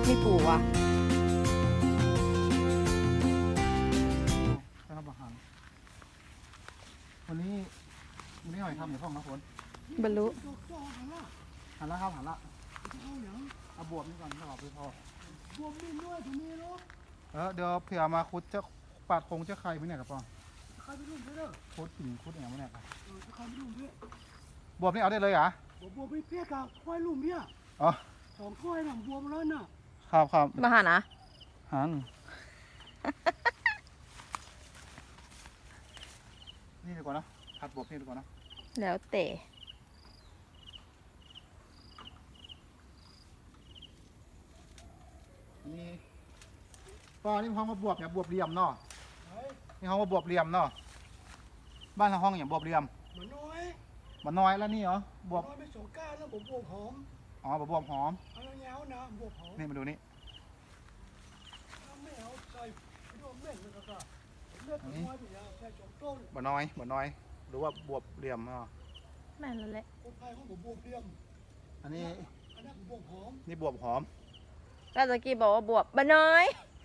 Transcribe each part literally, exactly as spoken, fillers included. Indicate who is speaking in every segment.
Speaker 1: มีปูวะ
Speaker 2: ทำอาหารวันนี้วันนี้หอยทำอยู่ห้องนะฝน
Speaker 1: บรรลุ
Speaker 2: หันละครับหันละเอาบวบนี่ก่อนจะออกไปพอบวบนี่ด้วยตรงนี้เนาะเออเดี๋ยวเผื่อมาคุดจะปาดคงจะใครไม่เนี่ยกับปองใครไม่รู้เพื่อคุดหินคุดอย่างไม่เนี่ยครับเออใครไม่รู้เพื่อบวบนี่เอาได้เลยเหรอบวบไม่เพี้ยกับควายลุ่มเนี่ยอ๋อสองควายหนังบวบแล้วน่ะครับครับ
Speaker 1: มาหานะ
Speaker 2: หันนี่ดีกว่านะผัดบวบนี่ดีกว่านะ
Speaker 1: แล้วแต่
Speaker 2: นี่ป้านี่ห้องมาบวบเนี่ยบวบเหลี่ยมเนาะนี่ห้องมาบวบเหลี่ยมเนาะบ้านเราห้องอย่างบวบเหลี่ยมมันน้อยมันน้อยแล้วนี่เหรอบวบไม่สงก้าแล้วผมบวบหอมอ๋อบวบหอมเอาเงานะบวบหอมนี่มาดูนี่ไม่เอาใส่ดวงเม่นเลยก็เลือดน้อยไปยาแค่สองต้นบ่น้อยบ่น้อยหรือว่าบวบเหลี่ยมเนาะ
Speaker 1: แม่นแล้วแหละ
Speaker 2: คนไทยเขาบอกบวบเหลี่ยมอันนี้อันนี้บวบหอมนี่บวบหอม
Speaker 1: แล้วตะกี้บอกว่าบวบบะน้อย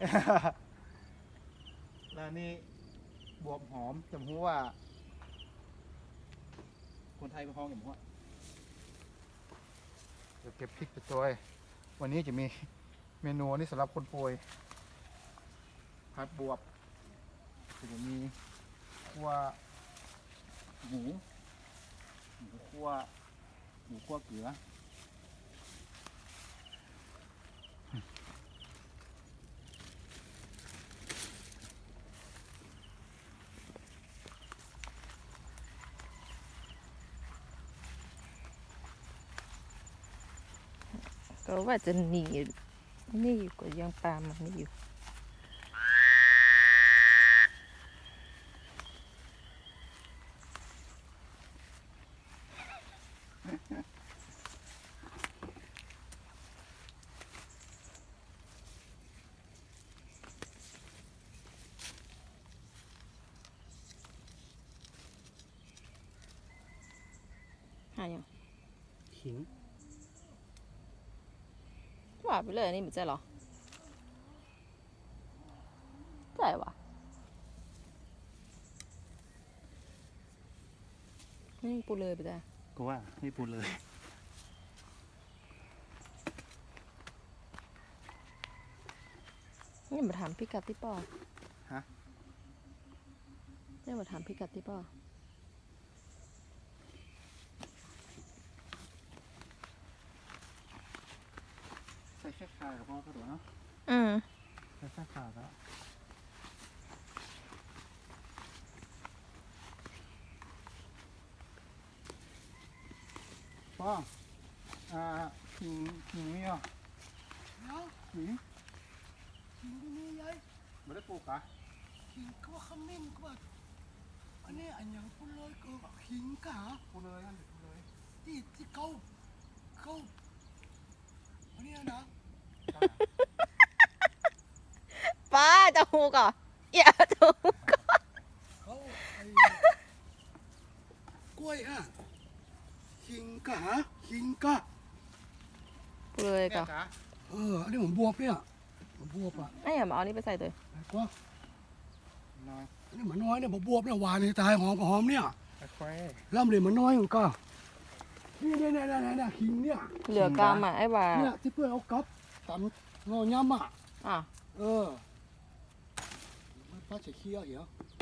Speaker 2: แล้วนี่บวบหอมจำหัวว่าคนไทยเป็นห้องอย่างหัวเดี๋ยวเก็บพริกไปตัววันนี้จะมีเมนูนี่สำหรับคนป่วยผัดบวบจะมีคั่วหมูหมูคั่วหมูคั่วเกลือ
Speaker 1: ก็ว่าจะหนีนี่อยู่ก็ยังตามมันนี่อยู่หายัง
Speaker 2: ขิง
Speaker 1: ว่าไปเลยนี่มันจะหรอใช่วะนี่ปูเลยไปจ้ะ
Speaker 2: ก็ว่าให้ปูเลย
Speaker 1: นี่มาถามพี่กัดที่ป่อ
Speaker 2: ฮะ
Speaker 1: นี่มาถามพี่กัดที่ป่อ
Speaker 2: ใส่แค่ขากับพ่อก็ถูกเนาะ
Speaker 1: อืม
Speaker 2: ใส่แค่ขาแล้วพ่ออ่าขิงขิงนี่เหรอขิงขิงที่นี่ยัยไม่ได้ปลูกอ่ะขิงก็ว่าขมิ้นก็ว่าอันนี้อันยังพูดเลยก็ขิงกะพูดเลยอันพูดเลยที่ที่เขาเขาอันนี้นะ
Speaker 1: ป้าจะหูก่อนอย่าจะหูก่อน
Speaker 2: เขาไอ้กล้วยอ่ะขิงกะขิงกะ
Speaker 1: เลยก่อน
Speaker 2: เอออันนี้ผมบวบเนี่ยผมบวบอ่ะ
Speaker 1: ไอ้อย่ามาเอานี่ไปใส่ตัว
Speaker 2: ก็น้อยอันนี้มันน้อยเนี่ยผมบวบเนี่ยหวานนี่ตายหอมกับหอมเนี่ยล่ำเลยมันน้อยมันก็นี่เนี่ยเนี่ยเนี่ยขิงเนี่ย
Speaker 1: เหลือกามอ่ะไอ้บ่า
Speaker 2: เนี่ยที่เพื่อนเอากับตำงอย้ำอ่ะ
Speaker 1: อ่ะ
Speaker 2: เออมันป้าจะเคี้ยวเหรอ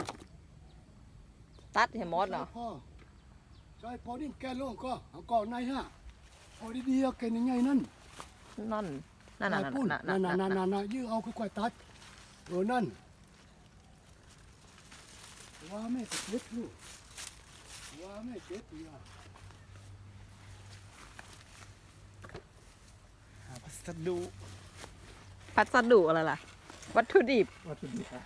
Speaker 1: ตัดเห็นมดเหรอ
Speaker 2: พ่อใช่พอดิ้นแกลงก็เอาก่อนในฮะพอดีๆแกนยังไงนั่น
Speaker 1: นั่นนั่นนั่นนั่น
Speaker 2: นั่นนั่นนั่นนั่นยื้อเอาค่อยๆตัดเออนั่นว่าไม่เจ็บลูกว่าไม่เจ็บอ่ะพัสดุ
Speaker 1: พัสดุอะไรล่ะวัตถุดิบ
Speaker 2: วัตถุดิบ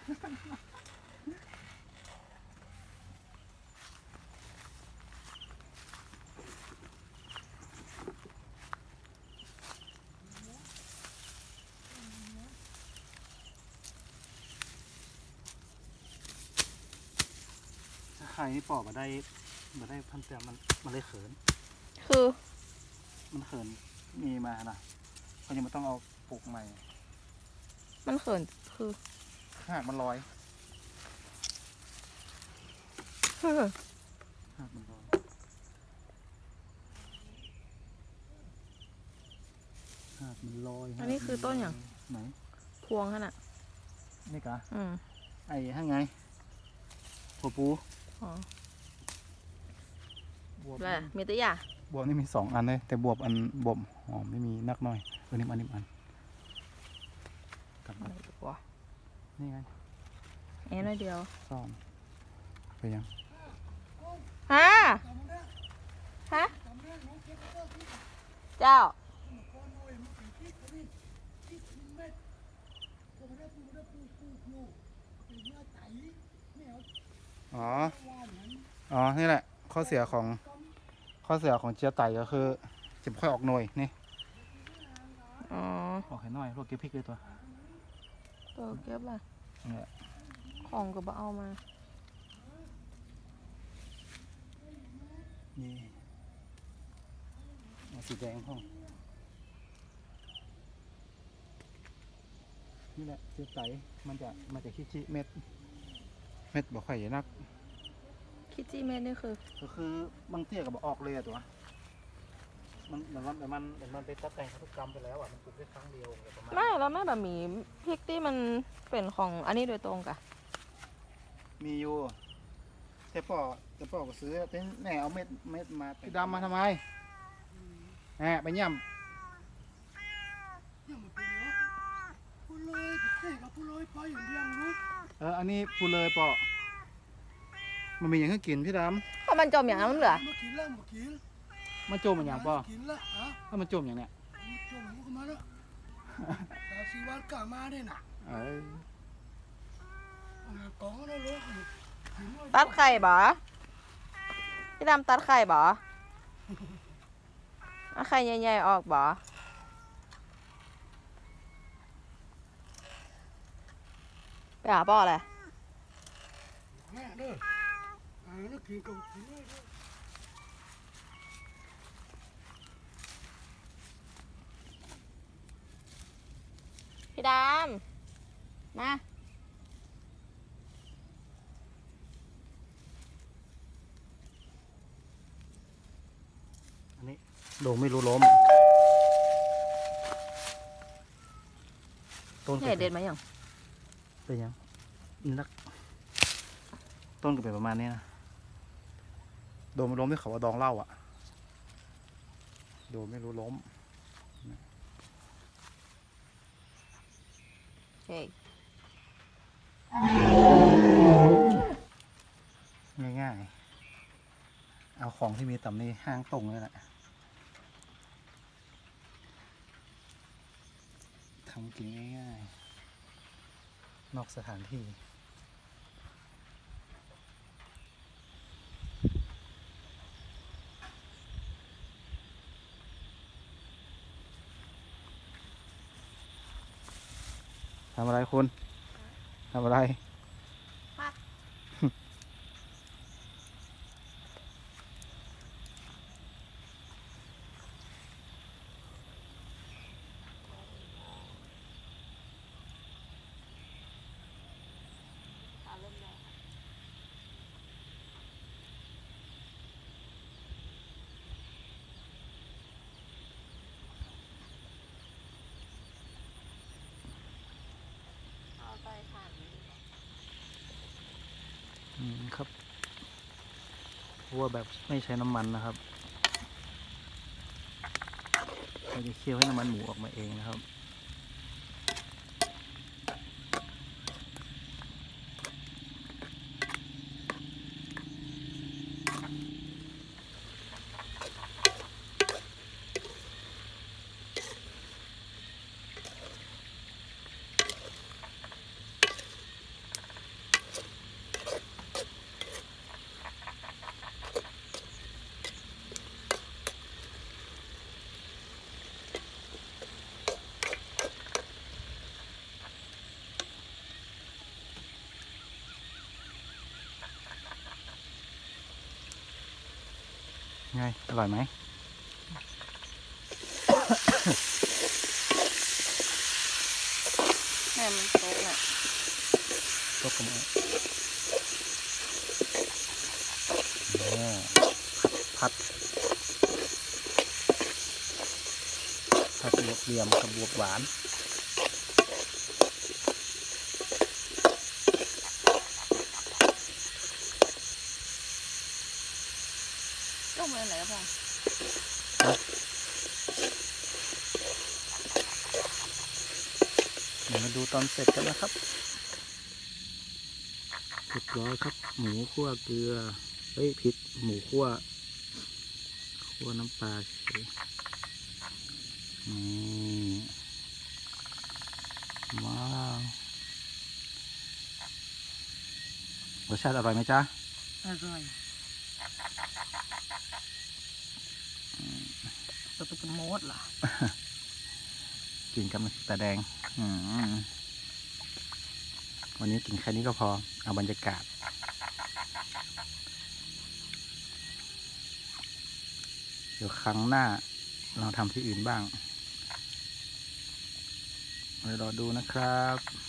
Speaker 2: ไข่นี่ปอกมาได้มาได้พันเตียมันมันเลยเขิน
Speaker 1: คือ
Speaker 2: มันเขินมีมานะเขายังไม่ต้องเอาปลูกใหม่
Speaker 1: มันเขินคือ
Speaker 2: หากมันลอย
Speaker 1: เฮ้อ
Speaker 2: หากมันลอยหากมันลอย
Speaker 1: อันนี้คือต้นอย่าง
Speaker 2: ไหน
Speaker 1: พวงขนาด
Speaker 2: นี่กะ
Speaker 1: อืม
Speaker 2: ไอ้ห้างไงหัวปู
Speaker 1: อ๋อบ
Speaker 2: วบ
Speaker 1: แล้วมีตัวอย่าง
Speaker 2: บวบนี่มีสองอันเลยแต่บวบอันบวบหอมไม่มีนักหน่อยเออนี่อันนี้อันกลับ
Speaker 1: อะ
Speaker 2: มา
Speaker 1: ไรดีกว่า
Speaker 2: นี่ไง
Speaker 1: เอ็นอยเดียว
Speaker 2: ซ่อนไปยัง
Speaker 1: ฮะฮะเจ้า
Speaker 2: อ๋อ อ๋อ นี่แหละ ข้อเสียของ ข้อเสียของเจียไต่ก็คือจะไม่ค่อยออกหน่วยนี่
Speaker 1: อ๋อ
Speaker 2: ออกให้หน่อยพวกเก็บพริกเลยตัว
Speaker 1: ตัวเก็บล่ะ
Speaker 2: นี่แหละ
Speaker 1: ของก็บ่เอามา
Speaker 2: นี่เอาสีแดงพ่อนี่แหละเจียไต่มันจะมันจะขี้ๆเม็ด เม็ดบ่ค่อยใหญ่นัก
Speaker 1: คิดจี้เม็ดนี่คือ
Speaker 2: ก็คือบางเตี้ยก็บอกออกเลยอะตัว มันเหมือนมันเหมือนมันเหมือนมันไปตัดแต่งพันธุกรรมไปแล้วอ่ะ มันปลูกได้ครั้งเดียวอะไรประมาณ
Speaker 1: ไม่แล้วไม่แบบมีพริกที่มันเป็นของอันนี้โดยตรงกะ
Speaker 2: มีอยู่แต่ป่อแต่ป่อก็ซื้อแต่แหน่เอาเม็ดเม็ดมาพี่ดำมาทำไมแหน่ไปเยี่ยม
Speaker 3: ยังไม่เป็นเนาะพูดเลยเจ๊กับพูดเลยไปอย่างเดียวรู้
Speaker 2: เออ อันนี้พูดเลยป่อมันมีอย่างให้กินพี่ด
Speaker 1: เพราะมันจมอย่างนั้นเหลือ
Speaker 3: มากินแล้วมากิน
Speaker 2: ำมันโจมมันอย่างป่อ
Speaker 3: กินแล้วอ่ะ
Speaker 2: ถ้ามันโจมอย่างเนี้ย
Speaker 3: มาจมหูกันมาแล้วดาวซีวันกล้ามาได้น่ะ
Speaker 2: เออก
Speaker 3: องแล้วลูกกิน
Speaker 1: ตัดไข่บ่พี่ดำตัดไข่บ่เอาไข่ใหญ่ๆออกบ่ไปหาพ่อเลย
Speaker 3: แม่เด้ออ่าแล้วกินกับกินเลยเด้อ
Speaker 1: พี่ดำมา
Speaker 2: อันนี้โดไม่รู้ล้มต้น
Speaker 1: ใหญ่เด็ดไหมยัง
Speaker 2: เป็นยังนักต้นก็เป็นประมาณนี้นะโดไม่ล้มที่เขาว่าดองเหล้าอ่ะโดไม่รู้ล้ม
Speaker 1: เฮ้ย
Speaker 2: ง่ายๆ เอาของที่มีต่ำนี่ห้างตรงเลยแหละทำกินง่ายๆ นอกสถานที่ ทำอะไรคุณ ทำอะไร
Speaker 1: เอาไปผ่าน
Speaker 2: อืมครับคั่วแบบไม่ใช้น้ำมันนะครับเราจะเคี่ยวให้น้ำมันหมูออกมาเองนะครับไงอร่อยไหมก็มาโอ้ผัดผัดบวบเหลี่ยมกับบวบหวาน
Speaker 1: ต้มอะไรครับพ่อ
Speaker 2: เดี๋ยวมาดูตอนเสร็จกันนะครับเรียบร้อยครับหมูคั่วเกลือเฮ้ยผิดหมูคั่วคั่วน้ำปลาเฉยนี่ว้าวรสชาติอร่อยไหมจ๊ะ
Speaker 1: อร่อยตัวเป็นมดเหรอ
Speaker 2: กินกับน้ำพริกตาแดงอืมวันนี้กินแค่นี้ก็พอเอาบรรยากาศเดี๋ยวครั้งหน้าเราทำที่อื่นบ้างเดี๋ยวรอดูนะครับ